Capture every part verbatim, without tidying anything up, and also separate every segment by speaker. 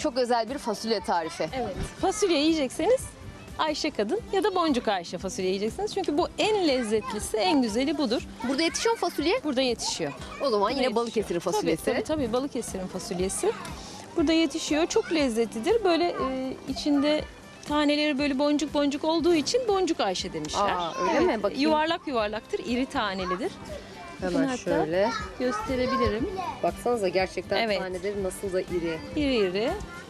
Speaker 1: çok özel bir fasulye tarifi.
Speaker 2: Evet. Fasulye yiyecekseniz Ayşe Kadın ya da Boncuk Ayşe fasulye yiyeceksiniz. Çünkü bu en lezzetlisi, en güzeli budur.
Speaker 1: Burada yetişiyor mu fasulye?
Speaker 2: Burada yetişiyor.
Speaker 1: O zaman
Speaker 2: Burada
Speaker 1: yine Balıkesir'in fasulyesi.
Speaker 2: Tabii, tabii, tabii Balıkesir'in fasulyesi. Burada yetişiyor. Çok lezzetlidir. Böyle e, içinde taneleri böyle boncuk boncuk olduğu için Boncuk Ayşe demişler.
Speaker 1: Aa, öyle mi? Bakayım.
Speaker 2: Yuvarlak yuvarlaktır, iri tanelidir. Bakın
Speaker 1: Hemen
Speaker 2: hatta
Speaker 1: şöyle.
Speaker 2: gösterebilirim.
Speaker 1: Baksanıza gerçekten
Speaker 2: Evet.
Speaker 1: taneleri nasıl da iri.
Speaker 2: İri iri,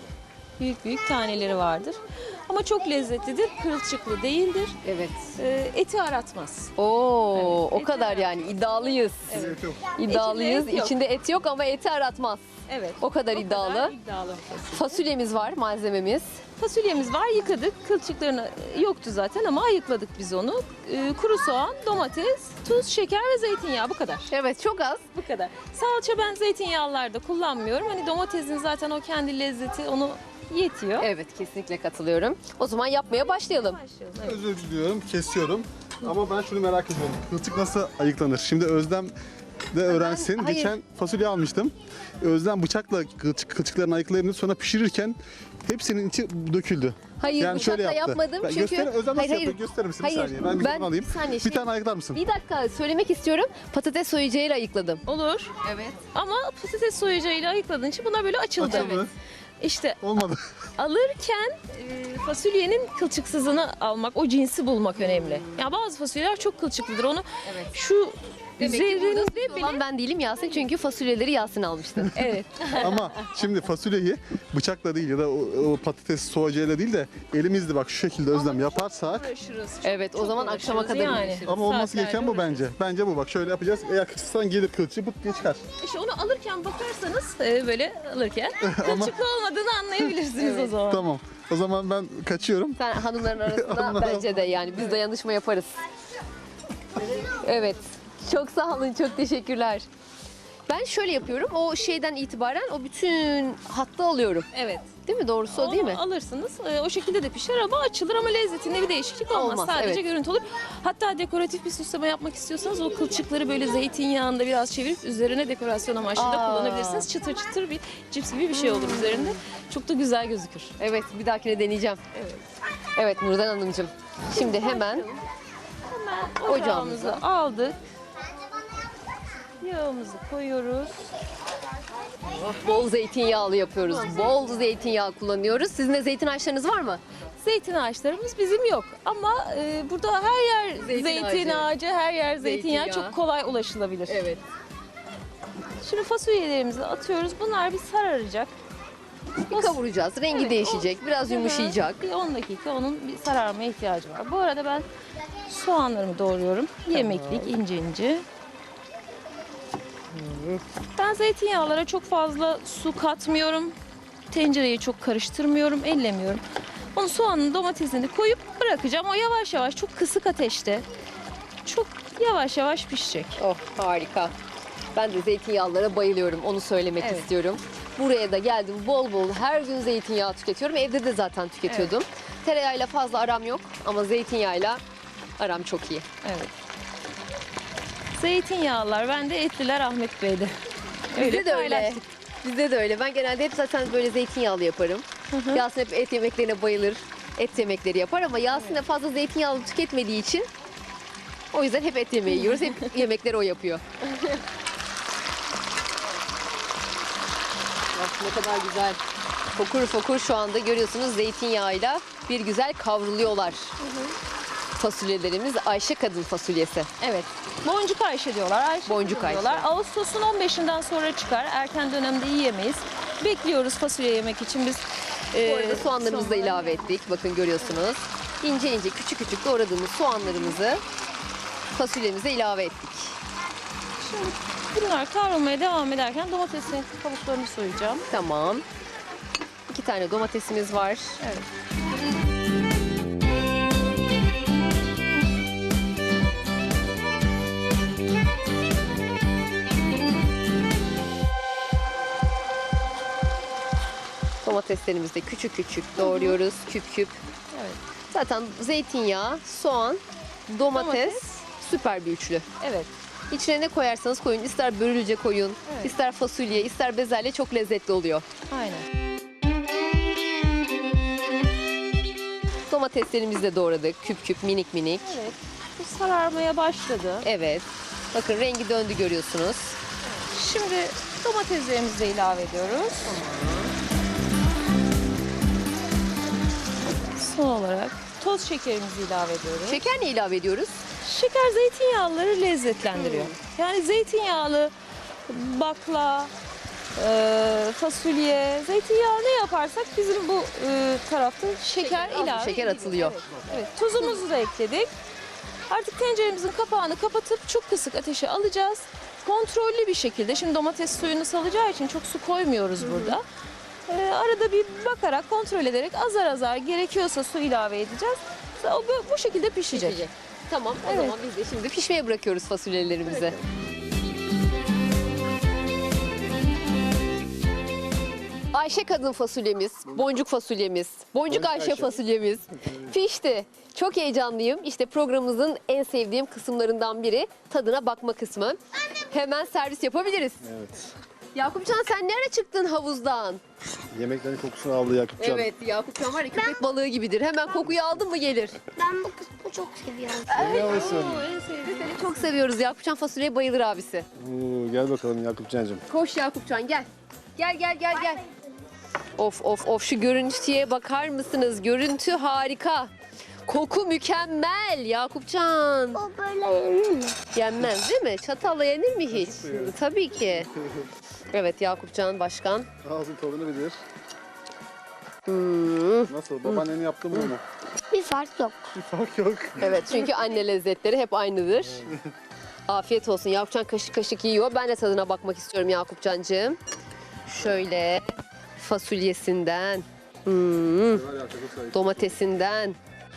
Speaker 2: büyük büyük taneleri vardır. Ama çok lezzetlidir, kılçıklı değildir.
Speaker 1: Evet.
Speaker 2: E, eti aratmaz.
Speaker 1: Oo,
Speaker 2: Evet,
Speaker 1: o
Speaker 2: eti
Speaker 1: kadar
Speaker 2: aratmaz.
Speaker 1: yani iddialıyız.
Speaker 2: Evet.
Speaker 1: İddialıyız.
Speaker 2: İçinde et yok.
Speaker 1: İçinde et yok ama eti aratmaz.
Speaker 2: Evet.
Speaker 1: O kadar iddialı.
Speaker 2: kadar iddialı fasulye.
Speaker 1: Fasulyemiz var, malzememiz.
Speaker 2: Fasulyemiz var, yıkadık. Kılçıklarını yoktu zaten ama ayıkladık biz onu. Ee, kuru soğan, domates, tuz, şeker ve zeytinyağı, bu kadar.
Speaker 1: Evet, çok az.
Speaker 2: Bu kadar. Salça ben zeytinyağlılarda kullanmıyorum. Hani domatesin zaten o kendi lezzeti onu yetiyor.
Speaker 1: Evet, kesinlikle katılıyorum. O zaman yapmaya başlayalım.
Speaker 2: Başlayalım. Evet.
Speaker 3: Özür diliyorum, kesiyorum. Ama ben şunu merak ediyorum. Kılçık nasıl ayıklanır? Şimdi Özlem de öğrensin.
Speaker 1: hayır.
Speaker 3: Geçen fasulye almıştım. Özlem bıçakla kılçık, kılçıklarını ayıklayınca sonra pişirirken hepsinin içi döküldü.
Speaker 1: Hayır,
Speaker 3: Yani şöyle
Speaker 1: bıçakla
Speaker 3: yaptı.
Speaker 1: yapmadım
Speaker 3: Ben
Speaker 1: çünkü...
Speaker 3: gösterin, Özlem nasıl
Speaker 1: Hayır, hayır.
Speaker 3: yapıyor? Gösterir misin
Speaker 1: Hayır,
Speaker 3: bir saniye? Ben
Speaker 1: ben-
Speaker 3: mikrofonu alayım.
Speaker 1: bir saniye,
Speaker 3: bir
Speaker 1: şey-
Speaker 3: tane ayıklar mısın?
Speaker 1: Bir dakika söylemek istiyorum. Patates soyacağıyla ayıkladım.
Speaker 2: Olur.
Speaker 1: Evet.
Speaker 2: Ama patates soyacağıyla ayıkladığın için bunlar böyle açıldı.
Speaker 3: Açıldı.
Speaker 2: İşte
Speaker 3: Olmadı.
Speaker 2: alırken e, fasulyenin kılçıksızını almak, o cinsi bulmak önemli. Ya bazı fasulyeler çok kılçıklıdır. Onu
Speaker 1: Evet.
Speaker 2: şu
Speaker 1: Demek ki burada
Speaker 2: üzerinde
Speaker 1: suçlu
Speaker 2: bile
Speaker 1: olan ben değilim Yasin çünkü fasulyeleri Yasin almıştı.
Speaker 2: evet.
Speaker 3: Ama şimdi fasulyeyi bıçakla değil ya da o, o patates soğacıyla değil de elimizle bak şu şekilde Özlem yaparsak.
Speaker 2: Uğraşırız. Çok-
Speaker 1: Evet, o
Speaker 2: çok
Speaker 1: zaman
Speaker 2: uğraşırız
Speaker 1: akşama kadar uğraşırız.
Speaker 3: Ama olması
Speaker 2: Saatlerce
Speaker 3: gereken bu
Speaker 2: uğraşırız.
Speaker 3: bence. Bence bu bak şöyle yapacağız. Eğer kılçıksan gelir kılçığı pıt diye çıkar.
Speaker 2: İşte onu alırken bakarsanız e, böyle alırken kılçıklı olmadığını anlayabilirsiniz o zaman.
Speaker 3: Tamam. O zaman ben kaçıyorum.
Speaker 1: Sen hanımların arasında
Speaker 3: Hanımlar
Speaker 1: bence de yani biz dayanışma yaparız. Evet. Çok sağ olun, çok teşekkürler. Ben şöyle yapıyorum. O şeyden itibaren o bütün hattı alıyorum.
Speaker 2: Evet.
Speaker 1: Değil mi? Doğrusu o
Speaker 2: Onu
Speaker 1: değil mi?
Speaker 2: alırsınız. e, o şekilde de pişer ama açılır ama lezzetinde bir değişiklik olmaz.
Speaker 1: Olmaz,
Speaker 2: Sadece
Speaker 1: evet.
Speaker 2: görüntü olur. Hatta dekoratif bir süsleme yapmak istiyorsanız o kılçıkları böyle zeytinyağında biraz çevirip üzerine dekorasyon amaçlı da
Speaker 1: Aa.
Speaker 2: kullanabilirsiniz. Çıtır çıtır bir cips gibi bir şey olur üzerinde. Çok da güzel gözükür.
Speaker 1: Evet, bir dahakine deneyeceğim.
Speaker 2: Evet.
Speaker 1: Evet Nurdan Hanımcığım. Şimdi hemen
Speaker 2: Hemen ocağımızı aldık. Yağımızı koyuyoruz.
Speaker 1: bol zeytinyağlı yapıyoruz. Bol zeytinyağı kullanıyoruz. Sizin de zeytin ağaçlarınız var mı?
Speaker 2: Zeytin ağaçlarımız bizim yok ama e, burada her yer
Speaker 1: Zeytin
Speaker 2: zeytin,
Speaker 1: ağacı.
Speaker 2: ağacı, her yer zeytinyağı
Speaker 1: Zeytinyağı.
Speaker 2: çok kolay ulaşılabilir.
Speaker 1: Evet.
Speaker 2: Şimdi fasulyelerimizi atıyoruz. Bunlar bir sararacak.
Speaker 1: Bir kavuracağız. Rengi
Speaker 2: Evet,
Speaker 1: değişecek.
Speaker 2: o-
Speaker 1: Biraz yumuşayacak.
Speaker 2: Bir on dakika onun bir sararmaya ihtiyacı var. Bu arada ben soğanlarımı doğruyorum. Yemeklik ince ince. Ben zeytinyağlara çok fazla su katmıyorum. Tencereyi çok karıştırmıyorum, ellemiyorum. Onu soğanın domatesini koyup bırakacağım. O yavaş yavaş çok kısık ateşte çok yavaş yavaş pişecek.
Speaker 1: Oh harika. Ben de zeytinyağlara bayılıyorum. Onu söylemek
Speaker 2: Evet.
Speaker 1: istiyorum. Buraya da geldim bol bol her gün zeytinyağı tüketiyorum. Evde de zaten tüketiyordum. Tereyağıyla fazla aram yok ama zeytinyağıyla aram çok iyi.
Speaker 2: Evet. Zeytinyağlılar bende, etliler Ahmet Bey'de.
Speaker 1: Bizde de öyle.
Speaker 2: paylaştık.
Speaker 1: Bizde de öyle. Ben genelde hep zaten böyle zeytinyağlı yaparım. Yasin hep et yemeklerine bayılır. Et yemekleri yapar ama Yasin de fazla zeytinyağlı tüketmediği için o yüzden hep et yemeği yiyoruz. Hep yemekleri o yapıyor. Bak ne kadar güzel. Fokur fokur şu anda görüyorsunuz zeytinyağıyla bir güzel kavruluyorlar. Fasulyelerimiz Ayşe Kadın fasulyesi.
Speaker 2: Evet. Boncuk Ayşe diyorlar. Ayşe
Speaker 1: Boncuk
Speaker 2: Kadın diyorlar.
Speaker 1: Ayşe.
Speaker 2: Ağustos'un on beşinden sonra çıkar. Erken dönemde yiyemeyiz. Bekliyoruz fasulye yemek için biz.
Speaker 1: Bu
Speaker 2: e,
Speaker 1: arada soğanlarımızı da
Speaker 2: soğanları-
Speaker 1: ilave ettik. Bakın görüyorsunuz. İnce ince küçük küçük doğradığımız soğanlarımızı fasulyemize ilave ettik.
Speaker 2: Şimdi bunlar kavrulmaya devam ederken domatesin kabuklarını soyacağım.
Speaker 1: Tamam. İki tane domatesimiz var.
Speaker 2: Evet.
Speaker 1: Domateslerimizi de küçük küçük doğruyoruz. Küp küp.
Speaker 2: Evet.
Speaker 1: Zaten zeytinyağı, soğan, domates,
Speaker 2: Domates.
Speaker 1: süper bir üçlü.
Speaker 2: Evet.
Speaker 1: İçine ne koyarsanız koyun. İster börülce koyun,
Speaker 2: Evet.
Speaker 1: ister fasulye, ister bezelye çok lezzetli oluyor.
Speaker 2: Aynen.
Speaker 1: Domateslerimizi de doğradık. Küp küp, minik minik.
Speaker 2: Evet. Bu sararmaya başladı.
Speaker 1: Evet. Bakın rengi döndü görüyorsunuz.
Speaker 2: Şimdi domateslerimizi de ilave ediyoruz. Son olarak toz şekerimizi ilave ediyoruz.
Speaker 1: Şeker ne ilave ediyoruz?
Speaker 2: Şeker zeytinyağları lezzetlendiriyor. Yani zeytinyağlı bakla, e, fasulye, zeytinyağı ne yaparsak bizim bu e, tarafta şeker
Speaker 1: az bir
Speaker 2: ilave
Speaker 1: şeker
Speaker 2: ediliyor.
Speaker 1: atılıyor.
Speaker 2: Evet, evet. Tuzumuzu da ekledik. Artık tenceremizin kapağını kapatıp çok kısık ateşe alacağız. Kontrollü bir şekilde, şimdi domates suyunu salacağı için çok su koymuyoruz burada. Ee, arada bir bakarak, kontrol ederek azar azar gerekiyorsa su ilave edeceğiz. O bu, bu şekilde pişecek.
Speaker 1: Pişecek. Tamam o
Speaker 2: Evet.
Speaker 1: zaman biz de şimdi pişmeye bırakıyoruz fasulyelerimizi. Ayşe kadın fasulyemiz, boncuk fasulyemiz, boncuk Ayşe,
Speaker 3: Ayşe.
Speaker 1: fasulyemiz pişti. Çok heyecanlıyım. İşte programımızın en sevdiğim kısımlarından biri tadına bakma kısmı. Hemen servis yapabiliriz.
Speaker 3: Evet.
Speaker 1: Yakupcan sen nereye çıktın havuzdan?
Speaker 3: Yemeklerin kokusunu aldı Yakupcan.
Speaker 1: Evet Yakupcan var ya köpek balığı gibidir. Hemen kokuyu aldın mı gelir.
Speaker 4: Ben bu kısmı çok seviyorum.
Speaker 3: Seviyor musun?
Speaker 1: Seni çok seviyoruz. Yakupcan fasulyeye bayılır abisi.
Speaker 3: Oo, gel bakalım Yakupcancığım.
Speaker 1: Koş Yakupcan gel. Gel gel gel gel. Of of of şu görüntüye bakar mısınız? Görüntü harika. Koku mükemmel Yakupcan.
Speaker 4: O böyle yenir mi?
Speaker 1: Yenmez değil mi? Çatalla yenir mi hiç? Tabii ki. Evet Yakupcan Başkan.
Speaker 3: Ağzın tadını bilir.
Speaker 1: Hmm.
Speaker 3: Nasıl? Babaannen yaptı mı onu?
Speaker 4: Bir fark yok.
Speaker 3: Bir fark yok.
Speaker 1: Evet çünkü anne lezzetleri hep aynıdır. Afiyet olsun. Yakupcan kaşık kaşık yiyor. Ben de tadına bakmak istiyorum Yakupcancığım. Şöyle fasulyesinden, hmm,
Speaker 3: Var ya, çok sayı.
Speaker 1: domatesinden.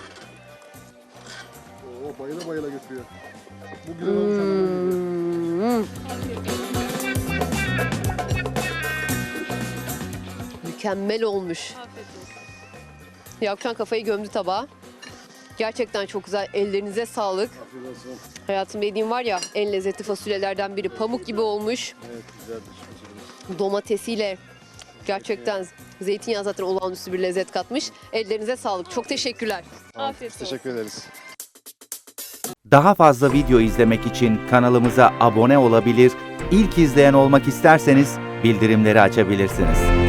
Speaker 3: Oo, bayıla bayıla götürüyor. Bu güzel olmuş hemen.
Speaker 1: Hmm. Mükemmel olmuş. Yakupcan kafayı gömdü tabağa. Gerçekten çok güzel. Ellerinize sağlık.
Speaker 3: Afiyet olsun.
Speaker 1: Hayatım dediğim var ya en lezzetli fasulyelerden biri. Pamuk gibi olmuş.
Speaker 3: Evet güzeldir. Fasulye.
Speaker 1: Domatesiyle gerçekten zeytinyağı zaten olağanüstü bir lezzet katmış. Ellerinize sağlık. Çok teşekkürler.
Speaker 2: Afiyet olsun.
Speaker 3: Teşekkür ederiz.
Speaker 5: Daha fazla video izlemek için kanalımıza abone olabilir, ilk izleyen olmak isterseniz bildirimleri açabilirsiniz.